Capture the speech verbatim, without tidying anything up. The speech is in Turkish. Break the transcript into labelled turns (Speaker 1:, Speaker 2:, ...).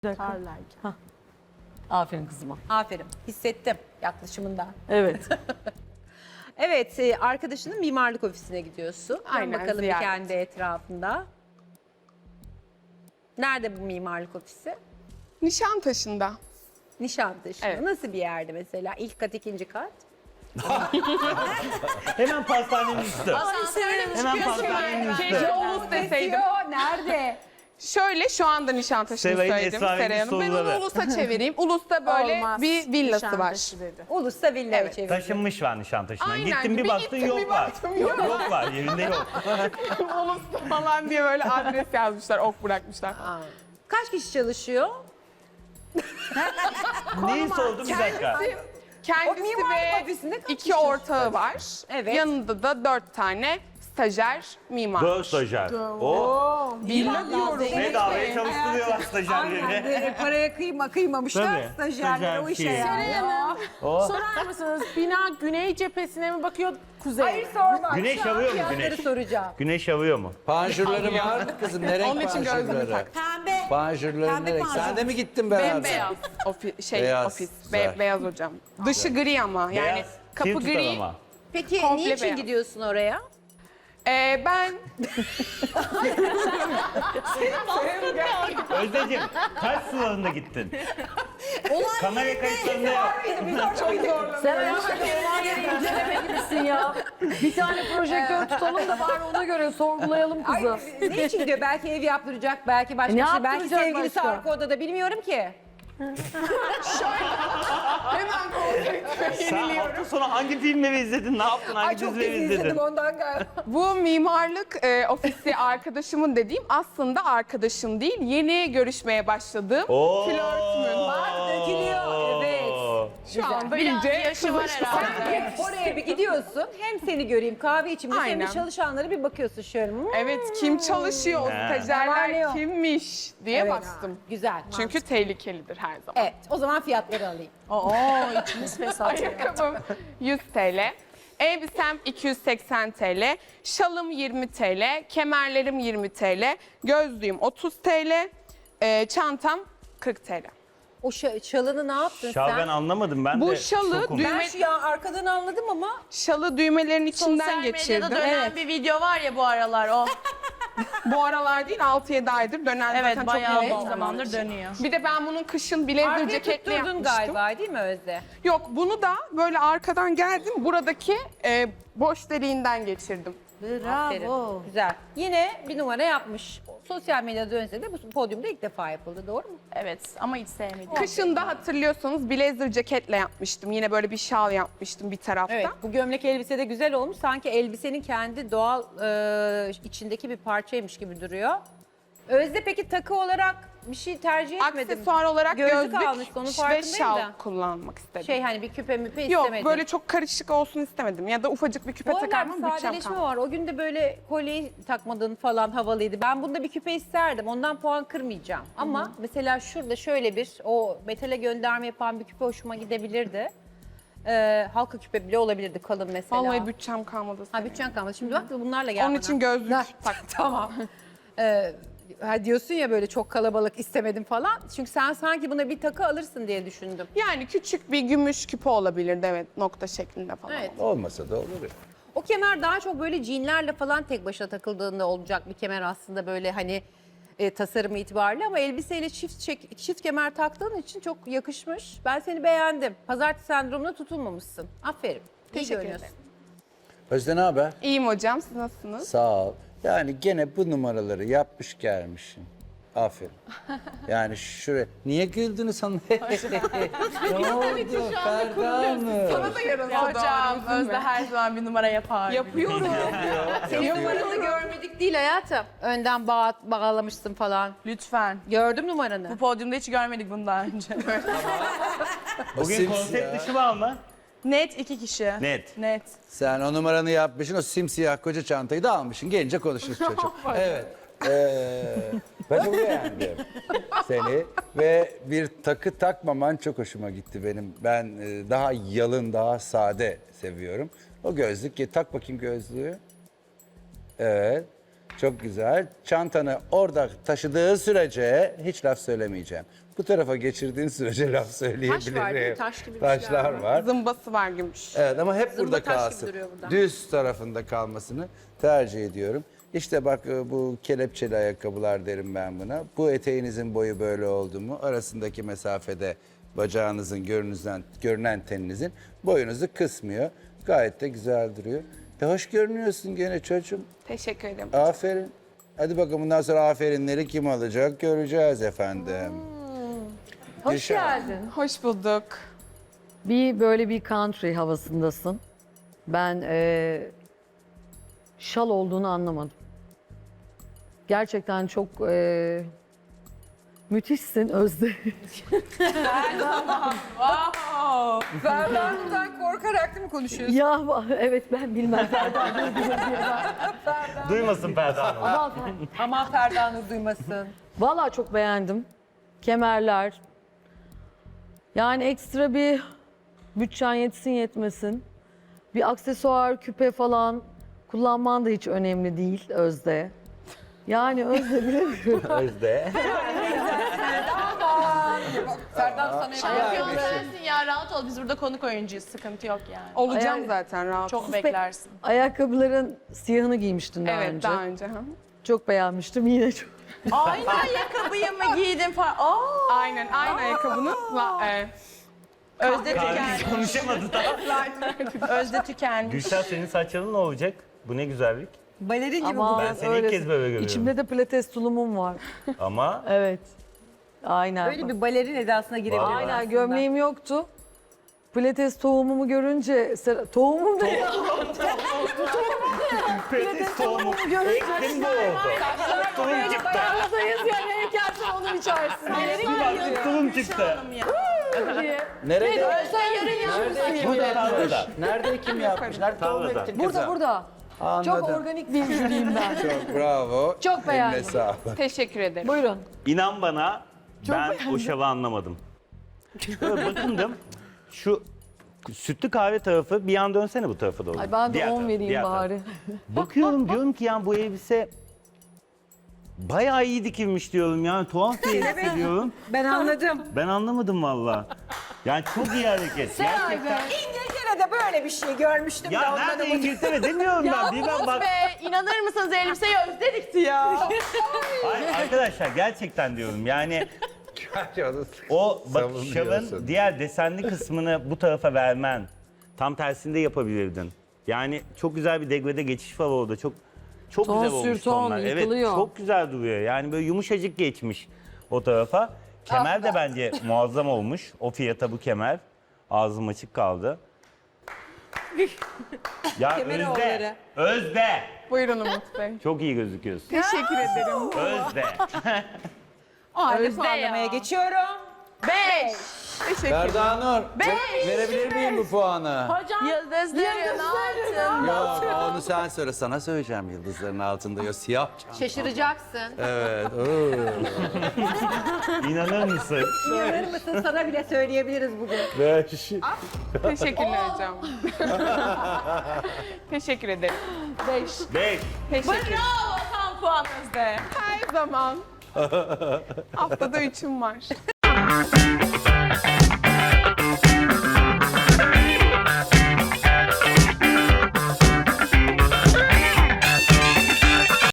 Speaker 1: Tarlarken.
Speaker 2: Aferin kızıma.
Speaker 3: Aferin. Hissettim yaklaşımından.
Speaker 2: Evet.
Speaker 3: Evet, e, arkadaşının mimarlık ofisine gidiyorsun. Dön
Speaker 1: Aynen,
Speaker 3: bakalım bir
Speaker 1: ziyaret.
Speaker 3: kendi etrafında. Nerede bu mimarlık ofisi?
Speaker 1: Nişantaşı'nda.
Speaker 3: Nişantaşı'nda.
Speaker 1: Evet.
Speaker 3: Nasıl bir yerde mesela? İlk kat, ikinci kat?
Speaker 4: Hemen pastanenin üstü. Hemen pastanenin üstü.
Speaker 1: Keşke Ulus deseydim.
Speaker 3: Nerede?
Speaker 1: Şöyle şu anda Nişantaşı'nı
Speaker 4: Sevay'ın
Speaker 1: söyledim
Speaker 4: esrarengiz
Speaker 1: Seray Hanım. Ben onu
Speaker 4: soruları.
Speaker 1: Ulus'a çevireyim. Ulus'ta böyle
Speaker 5: Olmaz.
Speaker 1: bir villası var.
Speaker 5: Nişantaşı dedi.
Speaker 3: Ulus'ta villa
Speaker 1: Evet,
Speaker 3: çevirdi.
Speaker 4: Taşınmış var Nişantaşı'na.
Speaker 1: Aynen,
Speaker 4: Gittin bir
Speaker 1: bir
Speaker 4: baktın
Speaker 1: gittim,
Speaker 4: yok
Speaker 1: bir
Speaker 4: var.
Speaker 1: baktım, yok.
Speaker 4: Yok var yerinde yok.
Speaker 1: Ulus'ta falan diye böyle adres yazmışlar, ok bırakmışlar.
Speaker 3: Kaç kişi çalışıyor?
Speaker 4: Neyi sordum bir dakika.
Speaker 1: Kendisi
Speaker 3: O mimarlık
Speaker 1: ve
Speaker 3: ofisinde kaç
Speaker 1: iki
Speaker 3: kişi
Speaker 1: ortağı var.
Speaker 3: Evet.
Speaker 1: Yanında da dört tane stajyer mimar.
Speaker 4: Dört stajyer. O
Speaker 1: Villa diyorum.
Speaker 4: bedavaya çalıştırıyorlar stajyerleri.
Speaker 3: Böyle paraya kıyma kıymamışlar
Speaker 4: Tabii,
Speaker 3: stajyerlere o işe
Speaker 4: stajyer
Speaker 3: yani.
Speaker 4: şeyi.
Speaker 3: Ya.
Speaker 4: O.
Speaker 5: Sorar mısınız bina güney cephesine mi bakıyor kuzey?
Speaker 3: Hayır sorma.
Speaker 4: Güneş
Speaker 3: Şu an
Speaker 4: alıyor mu
Speaker 3: fiyatları
Speaker 4: güneş?
Speaker 3: soracağım.
Speaker 4: Güneş yağıyor mu?
Speaker 6: Panjurları var mı kızım? Ne renk
Speaker 1: Onun için gözlüğümü
Speaker 6: panjurları?
Speaker 1: tak.
Speaker 7: Pembe.
Speaker 6: Panjurları
Speaker 7: Pembe
Speaker 6: ne renk?
Speaker 7: panjur.
Speaker 6: Sen de mi gittin beraber?
Speaker 1: Bembeyaz ofi, şey
Speaker 6: Beyaz,
Speaker 1: ofis.
Speaker 6: güzel.
Speaker 1: Be- beyaz hocam. Dışı gri ama yani
Speaker 4: Beyaz,
Speaker 1: kapı
Speaker 4: sil tutar
Speaker 1: gri.
Speaker 4: ama.
Speaker 3: Peki
Speaker 1: Komple
Speaker 3: niçin
Speaker 1: beyaz.
Speaker 3: gidiyorsun oraya?
Speaker 1: Ee, ben
Speaker 4: Özdeciğim kaç sularında gittin? Kamera kayıtlarında yok.
Speaker 2: Sen ayağına olay yeri inceleme gibisin ya. Bir tane projektör tutalım da bari ona göre sorgulayalım kızı.
Speaker 3: Ne için gidiyor? Belki ev yaptıracak, belki başka
Speaker 2: E, ne
Speaker 3: bir şey. Belki
Speaker 2: yaptıracak
Speaker 3: sevgilisi
Speaker 2: başka?
Speaker 3: arka odada bilmiyorum ki.
Speaker 1: hemen konseptime
Speaker 4: Sen
Speaker 1: yeniliyorum.
Speaker 4: hafta sonu hangi filmleri izledin? Ne yaptın? Hangi
Speaker 3: Ay çok
Speaker 4: dizileri
Speaker 3: dizi
Speaker 4: izledin?
Speaker 3: izledim ondan galiba.
Speaker 1: Bu mimarlık e, ofisi arkadaşımın dediğim aslında arkadaşım değil. Yeni görüşmeye başladığım
Speaker 4: Oo.
Speaker 1: flörtümün.
Speaker 3: Bak dökülüyor. Evet.
Speaker 1: Şu anda
Speaker 5: Biraz
Speaker 1: iyice
Speaker 5: yaşı var
Speaker 1: kızıştı.
Speaker 5: herhalde.
Speaker 3: Oraya bir gidiyorsun. Hem seni göreyim kahve içimde hem de
Speaker 1: Aynen.
Speaker 3: çalışanlara bir bakıyorsun şöyle. Hmm,
Speaker 1: Evet, kim çalışıyor, o
Speaker 4: He.
Speaker 3: Ne var, ne
Speaker 1: stajyerler
Speaker 3: yok?
Speaker 1: kimmiş diye
Speaker 3: evet.
Speaker 1: baktım.
Speaker 3: Güzel.
Speaker 1: Çünkü tehlikelidir her zaman.
Speaker 3: Evet o zaman fiyatları alayım.
Speaker 5: Oo içimiz fesat.
Speaker 1: Ayakkabım yüz TL, elbisem iki yüz seksen TL, şalım yirmi TL, kemerlerim yirmi TL, gözlüğüm otuz TL, e, çantam kırk TL.
Speaker 3: O şa- şalını ne yaptın
Speaker 4: Şah
Speaker 3: sen?
Speaker 4: ben anlamadım ben
Speaker 1: Bu
Speaker 4: de.
Speaker 1: şalı
Speaker 4: şokum.
Speaker 1: düğme-
Speaker 3: Ben şu ya arkadan anladım ama
Speaker 1: Şalı düğmelerin içinden
Speaker 5: Sosyal
Speaker 1: geçirdim.
Speaker 5: medyada dönen
Speaker 1: Evet.
Speaker 5: bir video var ya bu aralar o.
Speaker 1: Bu aralar değil altı yedi aydır dönen
Speaker 5: Evet
Speaker 1: zaten
Speaker 5: bayağı
Speaker 1: çok
Speaker 5: bir
Speaker 1: yoğun
Speaker 5: zamandır
Speaker 1: zamandır.
Speaker 5: dönüyor.
Speaker 1: Bir de ben bunun kışın blazer
Speaker 3: arkaya
Speaker 1: ceketle
Speaker 3: tutturdun
Speaker 1: yapmıştım.
Speaker 3: galiba değil mi Özde?
Speaker 1: Yok bunu da böyle arkadan geldim buradaki e, boş deliğinden geçirdim.
Speaker 3: Aferin. Güzel. Yine bir numara yapmış. Sosyal medyada dönse de bu podyumda ilk defa yapıldı doğru mu?
Speaker 5: Evet ama hiç sevmedim.
Speaker 1: Kışın da hatırlıyorsanız blazer ceketle yapmıştım. Yine böyle bir şal yapmıştım bir tarafta.
Speaker 3: Evet bu gömlek elbise de güzel olmuş. Sanki elbisenin kendi doğal e, içindeki bir parçaymış gibi duruyor. Özde peki takı olarak bir şey tercih etmedim.
Speaker 1: Aksesuar olarak
Speaker 3: Gözlük
Speaker 1: gözlük
Speaker 3: almışsın, onun
Speaker 1: ve
Speaker 3: farkındayım
Speaker 1: şal
Speaker 3: da.
Speaker 1: kullanmak istedim.
Speaker 3: Şey hani bir küpe müpe
Speaker 1: Yok
Speaker 3: istemedim.
Speaker 1: böyle çok karışık olsun istemedim. Ya da ufacık bir küpe
Speaker 3: Bu aralar
Speaker 1: takarım
Speaker 3: bir
Speaker 1: bütçem
Speaker 3: sadeleşme
Speaker 1: kalmadı.
Speaker 3: var. O gün de böyle kolyeyi takmadığın falan havalıydı. Ben bunda bir küpe isterdim. Ondan puan kırmayacağım. Ama mesela şurada şöyle bir o metale gönderme yapan bir küpe hoşuma gidebilirdi. Ee, halka küpe bile olabilirdi kalın mesela.
Speaker 1: Vallahi bütçem kalmadı.
Speaker 3: Ha bütçen kalmadı. Şimdi bak bunlarla gel
Speaker 1: Onun
Speaker 3: bana.
Speaker 1: için gözlük
Speaker 3: Ha,
Speaker 1: tak.
Speaker 3: Tamam. Ee, ha diyorsun ya böyle çok kalabalık istemedim falan. Çünkü sen sanki buna bir takı alırsın diye düşündüm.
Speaker 1: Yani küçük bir gümüş küpe olabilirdi evet nokta şeklinde falan.
Speaker 3: Evet.
Speaker 6: Olmasa da olur ya.
Speaker 3: O kemer daha çok böyle jeanlerle falan tek başına takıldığında olacak bir kemer aslında böyle hani e, tasarımı itibariyle ama elbiseyle çift çek, çift kemer taktığın için çok yakışmış. Ben seni beğendim. Pazartesi sendromuna tutulmamışsın. Aferin. İyi
Speaker 1: Teşekkür
Speaker 3: görünüyorsun.
Speaker 1: ederim.
Speaker 6: Özde ne haber?
Speaker 1: İyiyim hocam siz nasılsınız?
Speaker 6: Sağ ol. Yani gene bu numaraları yapmış gelmişsin. Aferin. Yani şuraya... Niye güldünüz hanım? Ne oldu? Ferda mı?
Speaker 1: Sana da yarın
Speaker 5: Hocam Özde her zaman bir numara yapar.
Speaker 1: Yapıyorum.
Speaker 3: Senin numaranı görmedik değil hayatım. Önden bağ, bağlamışsın falan.
Speaker 5: Lütfen.
Speaker 3: Gördüm numaranı.
Speaker 5: Bu podyumda hiç görmedik bunu daha önce.
Speaker 4: Bugün
Speaker 6: simsiyah.
Speaker 4: konsept dışı var mı?
Speaker 5: Net iki kişi.
Speaker 4: Net.
Speaker 5: Net.
Speaker 6: Sen o numaranı yapmışsın, o simsiyah koca çantayı da almışsın. Gelince konuşuruz çocuğum. Evet. Ee, ben çok beğendim seni ve bir takı takmaman çok hoşuma gitti benim. Ben e, daha yalın, daha sade seviyorum. O gözlük, tak bakayım gözlüğü. Evet. Çok güzel. Çantanı orada taşıdığı sürece hiç laf söylemeyeceğim. Bu tarafa geçirdiğin sürece laf söyleyebilirim.
Speaker 3: Taş var değil mi? Taş gibi bir şeyler
Speaker 6: Taşlar
Speaker 3: var.
Speaker 6: var.
Speaker 1: Zımbası var gümüş.
Speaker 6: Evet ama hep
Speaker 3: Zımba
Speaker 6: burada
Speaker 3: taş gibi
Speaker 6: kalsın.
Speaker 3: duruyor burada.
Speaker 6: Düz tarafında kalmasını tercih ediyorum. İşte bak e, bu kelepçeli ayakkabılar derim ben buna. Bu eteğinizin boyu böyle oldu mu? Arasındaki mesafede bacağınızın görünüzden, görünen teninizin boyunuzu kısmıyor. Gayet de güzel duruyor. E hoş görünüyorsun gene çocuğum.
Speaker 1: Teşekkür ederim.
Speaker 6: Aferin. Hadi bakalım bundan sonra aferinleri kim alacak göreceğiz efendim.
Speaker 2: Hoş
Speaker 6: Gülşah.
Speaker 2: geldin.
Speaker 1: Hoş bulduk.
Speaker 2: Bir böyle bir country havasındasın. Ben eee, şal olduğunu anlamadım. Gerçekten çok eee, müthişsin Özde.
Speaker 3: Ferdan'dan korkarak değil mi konuşuyorsun?
Speaker 2: Ya evet ben bilmem.
Speaker 4: Duymasın Ferda Hanım.
Speaker 2: Ama
Speaker 3: Aman Ferdan'ı duymasın.
Speaker 2: vallahi çok beğendim. Kemerler. Yani ekstra bir bütçen yetsin yetmesin. Bir aksesuar, küpe falan kullanman da hiç önemli değil Özde. Yani Özde bilemiyorum.
Speaker 4: Özde.
Speaker 3: Ferdan sana
Speaker 5: Şampiyon sensin ya, rahat ol. Biz burada konuk oyuncuyuz. Sıkıntı yok yani.
Speaker 1: Olacağım
Speaker 2: Yani-
Speaker 1: zaten rahat.
Speaker 5: Çok beklersin.
Speaker 2: Ayakkabıların siyahını giymiştin daha
Speaker 1: Evet
Speaker 2: önce.
Speaker 1: daha önce. hı.
Speaker 2: Çok beğenmiştim yine çok.
Speaker 5: Aynı ayakkabıyı mı giydin falan? Aa,
Speaker 1: Aynen aynı ayakkabının la- e,
Speaker 5: Özde
Speaker 4: Kardeş
Speaker 5: tükenmiş.
Speaker 4: konuşamadı da.
Speaker 5: Özde tükenmiş.
Speaker 4: Gülşah senin saçların ne olacak? Bu ne güzellik.
Speaker 3: Balerin gibi
Speaker 2: Ama
Speaker 4: Ben seni ilk kez böyle görüyorum.
Speaker 2: İçimde de pilates tulumum var.
Speaker 4: Ama
Speaker 2: Evet. Aynen.
Speaker 3: böyle bir balerin edasına girebilir.
Speaker 4: Vallahi.
Speaker 2: Aynen gömleğim yoktu. Pilates tohumumu görünce, Sera- tohumum da ya.
Speaker 4: pilates tohumu
Speaker 2: görünce
Speaker 4: ektim bu oldu. Tulum çıktı.
Speaker 2: Tarladayız yani heykelsin onu biçersin.
Speaker 4: Bir baktık tulum çıktı.
Speaker 2: diye.
Speaker 6: Nerede?
Speaker 2: Sen yarın yapmışsın.
Speaker 6: Burada
Speaker 4: Tarlada.
Speaker 6: yapmış. Nerede kim yapmış? Nerede tohum
Speaker 4: Tarlada.
Speaker 6: ektin
Speaker 2: Burada
Speaker 6: kızım?
Speaker 2: burada. Çok
Speaker 6: Anladım.
Speaker 2: organik bir jüriyim ben.
Speaker 6: Çok bravo.
Speaker 2: Çok beğendim.
Speaker 6: Eline sağlık.
Speaker 1: teşekkür ederim.
Speaker 2: Buyurun.
Speaker 4: İnan bana ben o şalı anlamadım. Böyle bakındım şu sütlü kahve tarafı bir yan dönsene bu tarafa doğru.
Speaker 2: Ay ben de
Speaker 4: Diğer
Speaker 2: on
Speaker 4: taraf,
Speaker 2: vereyim
Speaker 4: diğer taraf.
Speaker 2: bari.
Speaker 4: Bakıyorum diyorum ki yani bu elbise bayağı iyi dikilmiş diyorum yani tuhaf bir elbise diyorum.
Speaker 3: Ben anladım.
Speaker 4: Ben anlamadım valla. Yani çok iyi hareket. Gerçekten.
Speaker 3: İngiltere'de böyle bir şey görmüştüm.
Speaker 4: Ya nerede İngiltere demiyorum ben. Bir ben bak.
Speaker 5: Be, inanır mısınız elbiseyi Özde dikti ya.
Speaker 4: Hayır, arkadaşlar gerçekten diyorum yani o bak
Speaker 6: Savunuyorsun.
Speaker 4: şalın diğer desenli kısmını bu tarafa vermen. Tam tersinde yapabilirdin. Yani çok güzel bir degrede geçiş var orada. Çok çok
Speaker 2: Ton
Speaker 4: güzel olmuş
Speaker 2: sür ton,
Speaker 4: tonlar. Evet
Speaker 2: yıkılıyor.
Speaker 4: çok güzel duruyor. Yani böyle yumuşacık geçmiş o tarafa. Kemer de bence muazzam olmuş. O fiyata bu kemer. Ağzım açık kaldı. Ya
Speaker 3: Kemeri
Speaker 4: Özde,
Speaker 3: onları.
Speaker 4: Özde.
Speaker 1: Buyurun Umut Bey.
Speaker 4: Çok iyi gözüküyorsun.
Speaker 1: Teşekkür ederim.
Speaker 4: Özde.
Speaker 3: O halde
Speaker 5: Özde
Speaker 3: puanlamaya
Speaker 5: ya.
Speaker 3: geçiyorum.
Speaker 5: Beş.
Speaker 1: Teşekkür
Speaker 6: Ferda Nur, ve- verebilir miyim bu puanı?
Speaker 5: Hocam. Yıldızların altın.
Speaker 6: Yok, onu sen söyle. Sana söyleyeceğim yıldızların altında. Yok, siyah çanta.
Speaker 3: Şaşıracaksın.
Speaker 6: Evet. oo.
Speaker 4: İnanır mısın?
Speaker 3: İnanır mısın sana bile söyleyebiliriz bugün.
Speaker 1: Teşekkürler hocam. Teşekkür ederim.
Speaker 5: Beş.
Speaker 4: Beş.
Speaker 1: Teşekkür.
Speaker 5: Bravo, tam puan Özde.
Speaker 1: Her zaman. Haftada üçüm var.